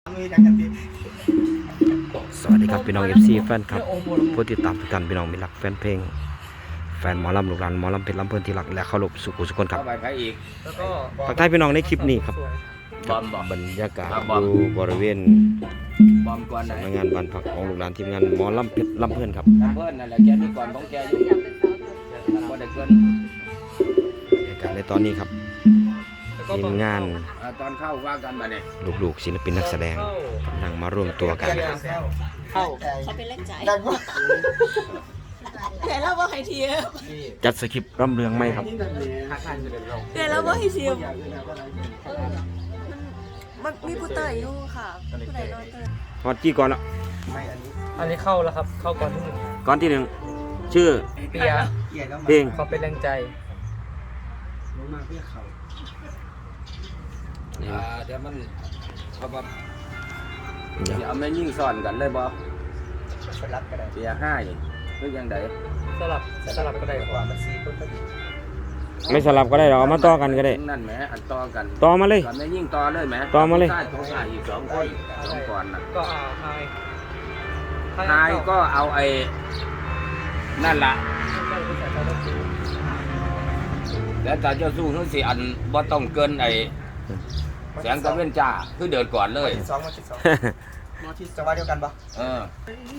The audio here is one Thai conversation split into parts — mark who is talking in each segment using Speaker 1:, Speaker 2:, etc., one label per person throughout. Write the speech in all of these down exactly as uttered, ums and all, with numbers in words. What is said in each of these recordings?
Speaker 1: สวัสดีครับพี่น้อง เอฟ ซี แฟนครับผู้ติดตามทุกท่านพี่น้องมิตรรักแฟนเพลงแฟนหมอลำลูกหลานหมอลำเพชรลำเพลินที่รักและเคารพสุขุสุขคนครับทักทายพี่น้องในคลิปนี้ครับบรรยากาศอยู่บริเวณสำนักงานบ้านพักของลูกหลานทีมงานหมอลำเพชรลำเพลินครับ
Speaker 2: ลำเพลินนั่นแหละแกมีก่อนของแกอยู่บ่ได้เกิน
Speaker 1: บรรยากาศในตอนนี้ครับทีมงาน
Speaker 2: ตอนเข้าว่ากันมาเนี่ย
Speaker 1: ลูกๆศิลปินนักแสดงกำลังมาร่วมตัวกัน
Speaker 3: เข้าเขาเป็นเล่นใจแต่เราบ่ให้เทียบ
Speaker 1: จัดสคริปต์ร่ำเรืองไหมครับ
Speaker 3: แต่เราบ่ให้เทียบมันมีผู้เตยอยู่ค่ะผู้ใดนอนเตย
Speaker 1: ฮอตจี้ก่อนแล้ว
Speaker 4: อันนี้เข้าแล้วครับเข้าก่อนที่หนึ่ง
Speaker 1: ก่อนที่หนึ่งชื่อ
Speaker 4: เปีย
Speaker 1: เพลง
Speaker 4: เขาเป็นแรงใจ
Speaker 2: เดี๋ยวมันเขาแบบเดี๋ยวเอาไม่ยิ่งซ่อนกันเลยบ่สลับก็ได้เปียห้าอย่างหรือยังไง
Speaker 4: สลับสลับก็ได้กว่ามันสี่ต้นก็ดี
Speaker 1: ไม่สลับก็ได้หรอเอามาต่อกันก็ได้
Speaker 2: นั่นแหมอันต่อกัน
Speaker 1: ต่อมาเลย
Speaker 2: ไม่ยิ่งต่อเลยแหม
Speaker 1: ต่อมาเลย
Speaker 2: ใช่ของใช่อีกสองคนสองก่อนนะ
Speaker 4: ก็เอาไฮ
Speaker 2: ไฮก็เอาไอ้นั่นละแล้วแต่เจ้าสู้ทั้งสี่อันบ่ต้องเกินไอ้แสงตะเวนจ้าคือเดินก่อนเลย
Speaker 4: สองมาสิบสองมาที่จังหวะเดียวกันปะ
Speaker 2: เออ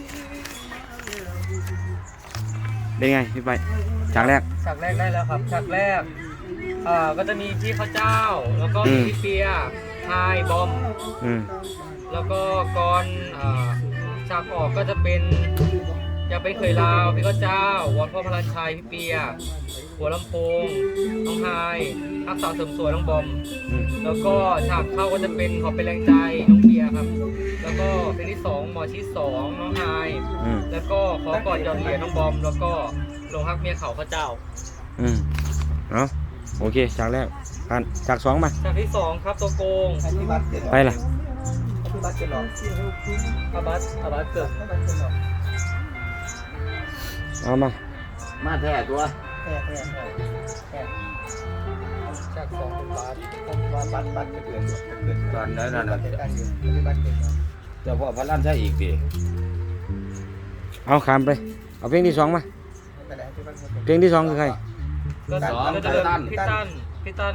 Speaker 1: เป็นไงพี่ไปฉากแรก
Speaker 4: ฉากแรกได้แล้วครับฉากแรกอ่าก็จะมีพี่ข้าวเจ้าแล้วก็มีพี่เปียไฮบอมแล้วก็ก่อนอ่าฉากออกก็จะเป็นอยากเป็นเคยลาวพี่ข้าวเจ้าวอนพ่อพลันชัยพี่เปียหัวลำโพงน้องไฮทักษะเสริมสวยน้องบอมแล้วก็ฉากเข้าก็จะเป็นขอเป็นแรงใจน้องเบียร์ครับแล้วก็เพลงที่สองหมอชิดสองน้องไฮแล้วก็ขอกอดยอดเหรียญน้องบอมแล้วก็ลงฮักเมียเขาข้าเจ้า
Speaker 1: อืมเอาโอเคฉากแรกผ่านฉากสองมา
Speaker 4: ฉากที่สองครับตัวโกง
Speaker 1: ไปล่ะ
Speaker 4: อาบัตเกิดหรออาบัตอาบัตเกิด
Speaker 1: เอามา
Speaker 2: มาแท้ตัว
Speaker 4: แท้แท้แท้ฉากสองเป็นบัตผมว่าบัตบัตจะเกิดเกิด
Speaker 2: ตอนนั้นนั่นจะพ่อพระลั่นใช่อีกดิ
Speaker 1: เอาขามไปเอาเพลงที่สองมาเพลงที่สองคือใคร
Speaker 4: ก็สองพี่ตั้นพี่ตั้น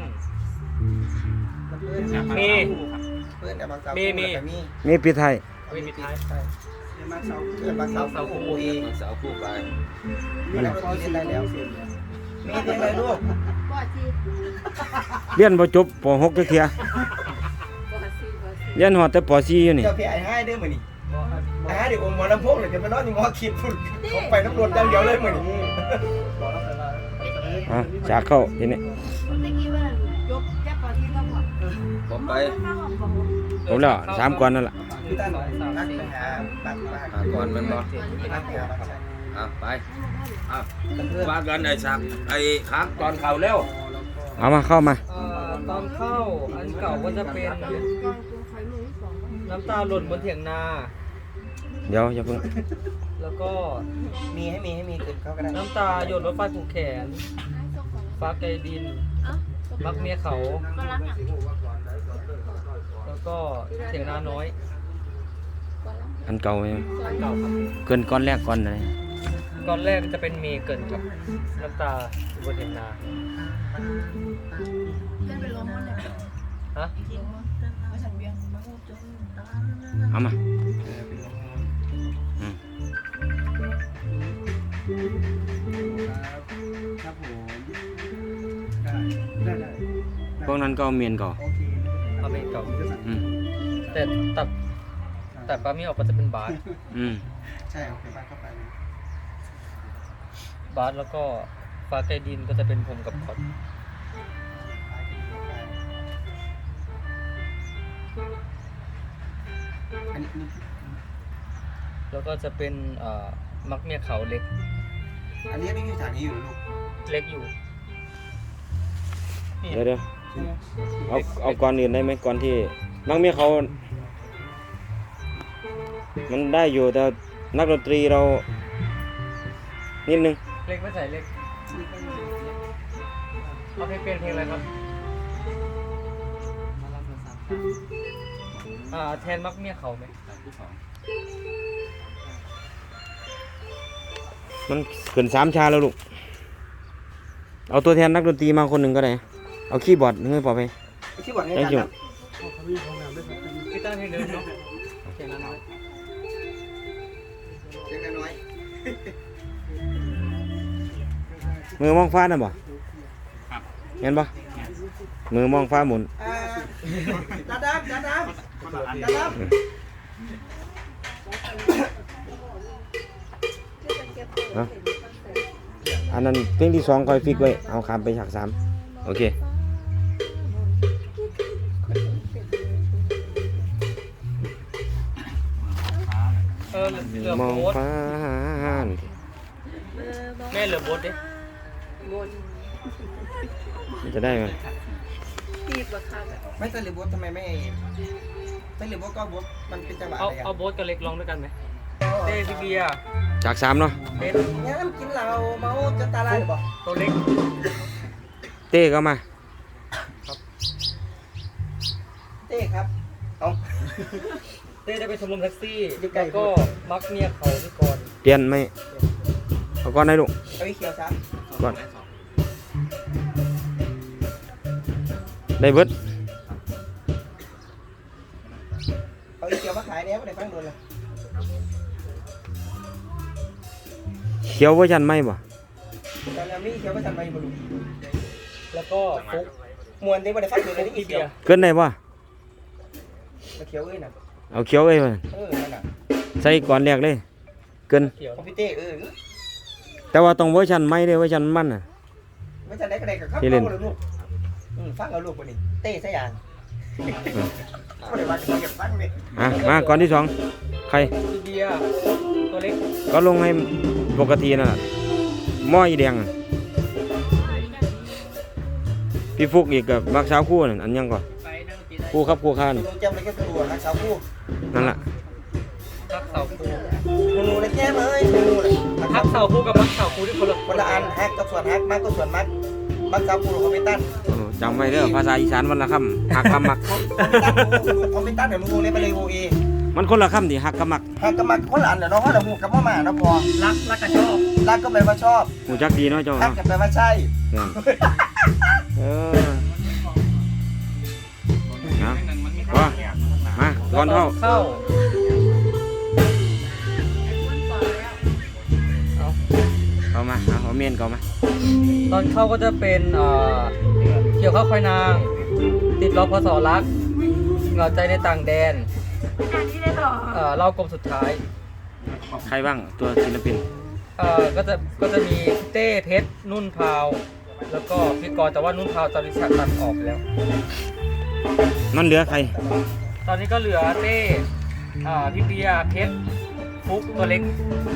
Speaker 4: มีมีมี
Speaker 1: มีปีไทย
Speaker 4: มีปีไทย
Speaker 2: มาเสาเกิดมาเสาเสาคู่เองเสาคู่ไปมีแล้วก็เรียนได้แล้วมีเรียนอะไรลูก
Speaker 1: เรียนพอจบป หก เทียเรียนหอดแต่ป สี่ อยู่นี่
Speaker 5: เจ้าพี่ไอ้ให้ได้เหมือนนี่ไอ้ให้เด็กอมหมอลำโพงเลยจะไปนอนอยู่หมอขีดฝุ่นเขาไปน้ำรวจอย่างเดียวเลยเหมือนนี่
Speaker 1: อ่ะจากเข้าทีนี้
Speaker 2: ผมไป
Speaker 1: ผมแล้วสามก่อนนั่นแหละ
Speaker 2: ก่อนมันบอกอ่ะไปอ่ะว่ากันไอ้สักไอ้ค้างตอนเข่าเร็ว
Speaker 1: เอามาเข้ามา
Speaker 4: ตอนเข้าอันเก่าก็จะเป็นน้ำตาหล่นบนเถียงนา
Speaker 1: เดี๋ยวอย่าเพิ่ง
Speaker 4: แล้วก็
Speaker 5: มีให้มีให้มีขึ้นเขาก็ได้
Speaker 4: น้ำตาหยดรถไฟผูกแขนฟ้าไกลดินมักเมียเขาแล้วก็เถียงนาน้อย
Speaker 1: อันเก่าไหม
Speaker 4: อันเก่าครับ
Speaker 1: เกินก้อนแรกก้อนไหน
Speaker 4: ก้อนแรกจะเป็นเมเกินกับน้ำตาบนเถียงนาฮะ
Speaker 1: เอามา
Speaker 5: ครับผม
Speaker 1: พวกนั้นก็เมียนก่อ
Speaker 4: เอาเมนก่อแต่ตัดแต่ปลาเมียออกก็จะเป็นบาส
Speaker 1: อืม
Speaker 5: ใช่โอเคบาสเข้าไป
Speaker 4: บาสแล้วก็ฟ้าไกลดินก็จะเป็นผมกับคอดแล้วก็จะเป็นมักเมียเขาเล็ก
Speaker 5: อันนี้ไม่มีฐานนี้อยู่ลูก
Speaker 4: เล็กอยู่
Speaker 1: เดี๋ยวเดี๋ยวเอาเอาก่อนอื่นได้ไหมก่อนที่มักเมียเขามันได้อยู่แต่นักดนตรีเรานิดนึง
Speaker 4: เล็กไม่ใส่เล็กเอาเพลงเพลงอะไรครับอ่าแทนมักเมียเขาไหม
Speaker 1: มันเกินสามชาแล้วลูกเอาตัวแทนนักดนตรีมาคนหนึ่งก็ได้เอาคีย์บอร์ดให้พอไป
Speaker 5: ที่บอกให้
Speaker 1: ได้
Speaker 5: อา
Speaker 1: จุ
Speaker 5: จารย์
Speaker 4: กีตาร์เพลงเดิมเนาะเพลงนั้นน้อย
Speaker 5: เล็กน้อย
Speaker 1: มือมองฟ้าน่ะบ่เห็นบ่มือมองฟ้าหมุน
Speaker 5: อ่าดาดามดาดามดาดาม
Speaker 1: เนาะอันนั้นเพลงที่สองคอยฟิกไว้เอาคำไปฉากสามโอเค
Speaker 4: เออเหลือ
Speaker 1: มอง
Speaker 4: โบ๊ท
Speaker 1: ฟ้า
Speaker 4: แม่เหลือโบ๊ทดิ
Speaker 1: มันจะได้ไหม
Speaker 3: ตีบราคาแบบ
Speaker 5: ไม่ใช่หรือบดทำไมไม่ไม่หรือบดก็บดมันเป็นจังหวะ
Speaker 4: เอา
Speaker 5: อะไร
Speaker 4: เอาโบ๊ทกับเล็กร้องด้วยกันไหมเต้พี่เบียร์
Speaker 1: ฉากสามเนาะ
Speaker 4: เต้น
Speaker 5: งั้นกินเหล้าเมาจะตาลายหรือเปล่า
Speaker 4: ตัวเล็ก
Speaker 1: เต้ก็มา
Speaker 5: เต้ครับเอา
Speaker 4: เต้จะไปชมรมแท็กซี่แล้วก็มักเมียเขาที่ก่อน
Speaker 1: เปลี่ยนไหมเอาก่อนได้ลูก
Speaker 5: เอาไอ้เขียวซะ
Speaker 1: ก่อนได้เบิด
Speaker 5: เอาไอ้เขียวมาขายเนี่ยไม่ได้ฟังโดนเลย
Speaker 1: เขียวเวอร์ชันไหมบ่
Speaker 5: ตอนนี้มีเขียวมาทำไมบ่รู้
Speaker 4: แล้วก็ฟุก
Speaker 5: มวนที่ไม่ได้ฟังโดนเลยนี่
Speaker 4: พี่
Speaker 5: เขี
Speaker 4: เบี
Speaker 5: ย
Speaker 4: ยว ร์
Speaker 1: เกินได้บ่
Speaker 5: มาเขียวเอ้ยน่ะ
Speaker 1: เอาเขียวเอ้ยมา
Speaker 5: เออนั่นน่ะ
Speaker 1: ใส่ก่อนแรกเลย เกิน
Speaker 4: เขียว
Speaker 5: ของพี่เต้เออ
Speaker 1: แต่ว่าต้องเวอร์ชันไหมเด้อเวอร์ชันมันน่ะ
Speaker 5: ไม่ใช่ได้ก็ได้กับข้าว
Speaker 1: ที่เล่น
Speaker 5: เอาเลยลูกอืมฟังเอาลูกคนนี้เต้ซะอย่างเขาได้ว่าจะมาเก็บฟังนี่
Speaker 1: อ่ะมาก่อนที่สองใคร
Speaker 4: พี่เบียร์ตัวเล็ก
Speaker 1: ก็ลงให้ปกตินั่นแหละหม้ออีแดงอะพี่ฟุกอีกกับมักสาวคู่นั่นอันยังก่อนคู่ครับคู่ข้าน
Speaker 5: ดูจำเลยแค่ตัวนักสาวคู่
Speaker 1: นั่นแหละ
Speaker 4: ฮักเสาคู
Speaker 5: หนูเลยแก้มเอ้ยหนูเลย
Speaker 4: ฮักเสาคูกับมักเสาคูที่คนละ
Speaker 5: คนละอันฮักกับส่วนฮักมักกับส่วนมักมักสาวคู่ของพี่ตั้น
Speaker 1: โอ้จำไว้เด้อภาษาอีสานวันละคำหักกับมัก
Speaker 5: ของพี่ตั้นเดี๋ยวลุงเรียกไปเลยโอเอ
Speaker 1: มันคนละคำดิหักกับมัก
Speaker 5: ฮักกับมักคนละอันเดี๋ยวน้องเขาเดี๋ยวหูกับพ่อมาเนาะพอ
Speaker 4: รักรักกันชอบ
Speaker 5: รักก็แปลว่าชอบ
Speaker 1: หูจักดีเนาะเจ้า
Speaker 5: ฮัก
Speaker 1: เนาะ
Speaker 5: ก็แปลว่าใช่
Speaker 1: เนี่ยเออนะว่ามาก่อนเท่า
Speaker 4: เข้า
Speaker 1: เอามาเอาเอาเมียนก่อนมา
Speaker 4: ตอนเข้าก็จะเป็นเอ่อเกี่ยวข้าวควายนาง ติดล้อพศรักเหงาใจในต่างแดนเอ่อเล่ากลมสุดท้าย
Speaker 1: ใครบ้างตัวศิลปิน
Speaker 4: เอ่อก็จะก็จะมีพี่เต้เพชรนุ่นพาว แล้วก็พี่กรณ์แต่ว่านุ่นพาวตอนนี้ฉากตัดออกไปแล้ว
Speaker 1: มันเหลือใคร
Speaker 4: ตอนนี้ก็เหลือเต้อ่าพี่เบียร์เพชรฟุกตัวเล็ก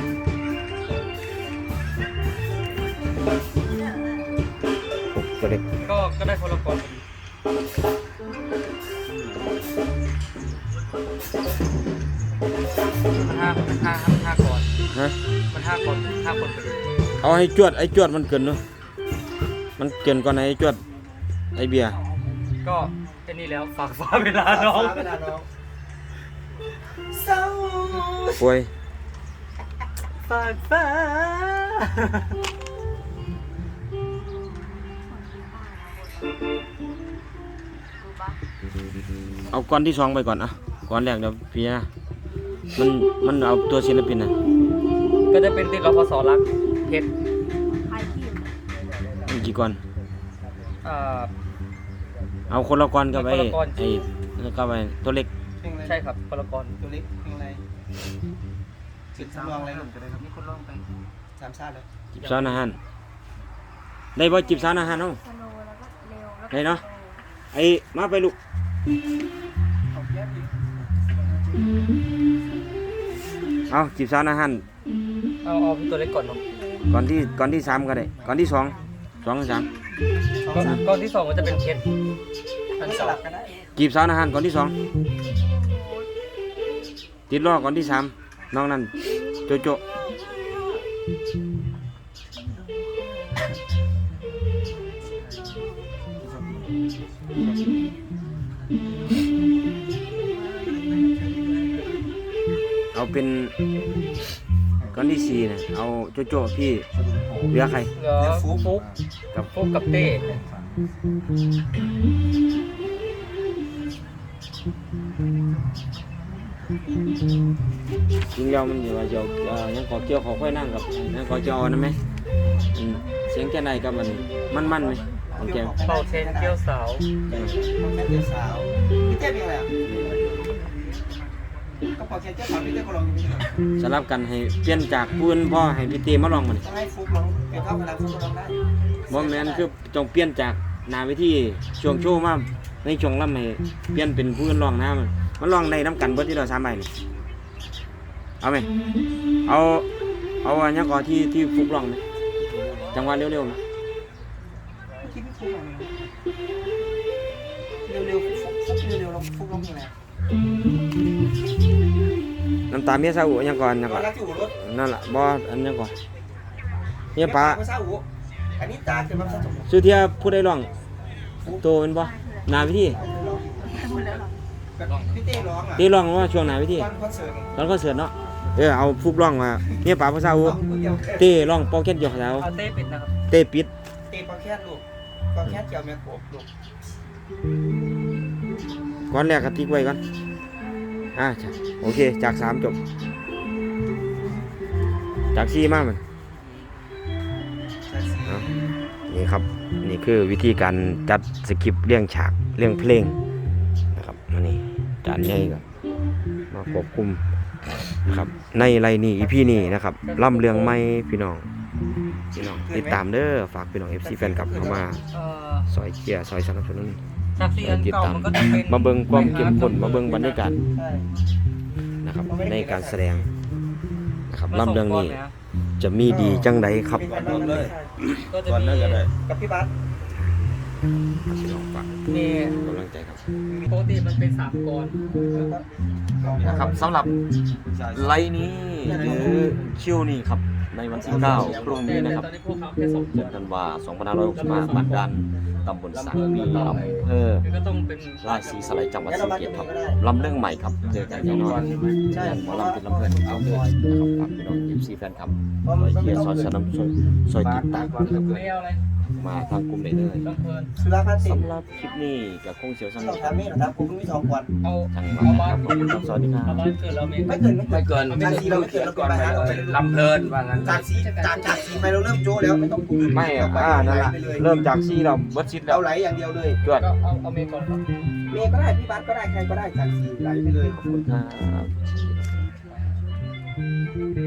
Speaker 1: ตัวเล็ก
Speaker 4: ก็ก็ได้คนละคนมันห้ามันห้ามันห้าก่อน
Speaker 1: ฮะ
Speaker 4: มันห้าคนห้าคนไปเลย
Speaker 1: เอาให้จวดไอ้จวดมันเกินเนาะมันเกินก่อนไอ้จวดไอ้เบียร์
Speaker 4: ก็แค่นี้แล้วฝากฟ้าเวลาน้อง
Speaker 5: เวลาน้องเศร้า
Speaker 1: ป่วย
Speaker 4: ฝากฟ้า
Speaker 1: เอาก้อนที่สองไปก่อนอ่ะก้อนแรกเดี๋ยวพี่นะมันมันเอาตัวศิลปินนะ
Speaker 4: ก็จะเป็นติดรพสรักเพชร
Speaker 1: มีกี่ก้อน
Speaker 4: อ่า
Speaker 1: เอาคนละก้อนกับไอ้
Speaker 4: คนละก้อน
Speaker 1: ไอ้กับไอ้ตัวเล็ก
Speaker 4: ใช่ครับคนละกร
Speaker 5: ตัวเล็กเพลงอะไรสิบสามลองอะไรหนุ่มก็ได้ครับ
Speaker 4: มีคนร้องไป
Speaker 5: สามชาติเลย
Speaker 1: จิบซานอาหารได้บ่จิบซานอาหารเนาะได้เนาะไอ้มาไปลูกเอาจิบซานอาหาร
Speaker 4: เอาเอาพี่ตัวเล็กก่อนเนาะ
Speaker 1: ก่อนที่ก่อนที่สามก็ได้ก่อนที่สองสองหรือสาม
Speaker 4: ก่อนก่อนที่สองมันจะเป็นเพชรอัน
Speaker 5: ส
Speaker 4: สอง
Speaker 5: ลับกันได้
Speaker 1: จีบสาวอาหารก่อนที่สองติดล้อก่อนที่สามน้องนั่นโจโจเอาเป็นก้อนที่สี่เนี่ยเอาโจโจ้พี่เหลือใคร
Speaker 4: เหลือฟุกฟุก
Speaker 1: กับ
Speaker 4: ฟุกกับเต้
Speaker 1: จริงแล้วมันอยู่ว่าจะเอาเอ่อยังขอเกี่ยวขอค่อยนั่งกับยังขอจอนะไหมอืมเสียงแค่ไหนกับมันมันมันไหมของแก
Speaker 4: เป่าเทนเกี้ยวสาว
Speaker 5: แค่เจ้าสาวพี่เต้เป็นอะไรอ่ะก็พอแค่เจ้าสาวพี่เต้ก็ลองอยู่นี่
Speaker 1: สลับกันให้เปลี่ยนจากปืนพ่อให้พี่เตมาลองมัน
Speaker 5: ต้องให้ฟุกลองเป็นเท่ากันแล้วฟุกลองได้
Speaker 1: บ่แม่นคือจงเปลี่ยนจากหนาวิธีช่วงโชว์มาในช่วงล่ำให้เปลี่ยนเป็นผู้อื่นลองนะมันมันลองในน้ำกันเบิดที่เราสามใบนี่เอาไหมเอาเอาอันนี้ก่อนที่ที่ฟุกลองไหมจังหวะเร็วๆไหม
Speaker 5: คิดไม่ฟุกลองเร็วๆฟุกฟุกเร็วๆลองฟุกลองยังไง
Speaker 1: น้ำตาเมียซาอุอันยังก่อนอันยัง
Speaker 5: ก่
Speaker 1: ก่
Speaker 5: อ
Speaker 1: อน น
Speaker 5: รักที่หัวรถ
Speaker 1: นั่นแหละบ่อันยังก่อนเมียป้า
Speaker 5: ไม่ทราบหัวอันนี้ตาคือมันผสม
Speaker 1: สุเทียผู้ใดร้องโตเป็นบ่หนาวิธี
Speaker 3: หมดแล้วเหรอ
Speaker 5: พี่เต้ร้องอ่ะ
Speaker 1: ที่ร้องว่าช่วงหนาวิธี
Speaker 5: ตอนคอนเสิร์ต
Speaker 1: ตอนคอนเสิร์ตเนาะเออเอาฟุกร้องมาเมียป้าภาษาอุ
Speaker 5: เดียว
Speaker 1: เต้ร้องเป่าแค่นอยู่แล้ว
Speaker 4: เอาเต้ปิดนะครับ
Speaker 1: เต้ปิด
Speaker 5: เต้ปลาแค่ลูกปลาแค่เจียวแม่กบลูก
Speaker 1: ก่อนแรกก็ติ๊กไว้ก่อนอ่าใช่โอเคจากสามจบจากสี่มามันเอานี่ครับนี่คือวิธีการจัดสคริปต์เรื่องฉากเรื่องเพลงนะครับมานี่จานใหญ่ก็มาควบคุมนะครับในไรนี่อีพีนี้นะครับล่ำเรื่องไม่พี่น้องพี่น้องติดตามเด้อฝากพี่น้อง เอฟ ซี แฟนคลับเข้ามา
Speaker 4: เอ่อ
Speaker 1: ซอยเชียร์ซอยสนับสนุน
Speaker 4: จากซีอันเก่ามันก็จะเป็น
Speaker 1: มาเบิ่งความเข้มข้นมาเบิ่งบรรยากาศ
Speaker 5: ใช่
Speaker 1: นะครับในการแสดงนะครับ
Speaker 4: มาส
Speaker 1: ลำเรื่องนี้
Speaker 4: ก้ะ
Speaker 1: จะมีดีจังใดครับ
Speaker 5: เป็นวันนั้นเลย
Speaker 4: ก็จะ
Speaker 2: ก่อน
Speaker 4: มี
Speaker 2: นั้นก็ได้
Speaker 5: กับพี่บัส
Speaker 1: พี่น้องฝาก
Speaker 4: มี
Speaker 1: กำลังใจครับ
Speaker 4: ปกติมันเป็นสามกร
Speaker 1: นะครับสำหรับไลน์นี้หรือคิวนี้ครับในวันที่เก้าพรุ่งนี้นะครับ
Speaker 4: ตอนนี้พวกเขาแค่สองค
Speaker 1: เดือน นธันวาคมสองพันห้าร้อยหกสิบห้าบ้านดันตำบลสังปีอำเภอ
Speaker 4: คือก็ต้องเป็น
Speaker 1: ราชสีสไลจังหวัดศรีสะเกษครับลำเรื่องใหม่ครับเจอกันแน่นอนใช่หมอลำเป็นลำเพลินเอาเดินนะครับฝากพี่น้อง เอฟ ซี แฟนคลับซอยเชียร์ซอยสนับสนุนซอยติดตามนะครับ
Speaker 4: ไม่เอาอะไร
Speaker 1: มาทางกลุ่มได้เลย
Speaker 4: ต้องเพลิน
Speaker 5: สุราพัฒน์สิ
Speaker 1: สำหรับคลิปนี้กับคงเสียวส
Speaker 5: ต้
Speaker 1: นุ
Speaker 5: อง
Speaker 1: กครับ
Speaker 5: ทำนี่นะครับผมมีสองวัน
Speaker 4: เอา
Speaker 1: จังหวัด
Speaker 4: เอา
Speaker 1: นะ
Speaker 4: บ้า
Speaker 1: คน รับขอบคุณครับสวัสดีครั
Speaker 4: เอา
Speaker 1: บ
Speaker 4: บ้านเกิดเราเอง
Speaker 5: ไม่เกินไม่
Speaker 2: ไม่
Speaker 5: เกิน
Speaker 2: เกิน
Speaker 5: จากสีเราไม่เกินเราก่อนไปหาเราไป
Speaker 2: ลำเพลินว่างั้น
Speaker 5: จากสีจากจากสีไปเราเริ่มโจ้แล้วไม่ต้องคุย
Speaker 1: ไม่อ่ะอ่านั่นแหละเริ่มจากซี่เราเบิดชิดแล้
Speaker 5: เรา
Speaker 1: ว
Speaker 5: ไหลอย่างเดียวเลย
Speaker 1: จวด
Speaker 4: ก็เอาเอาเมย์ก่อนครับ
Speaker 5: เมย์ก็ได้พี่บัสก็ได้ใครก็ได้จากสีไหลไปเลย
Speaker 1: ขอบคุณครับ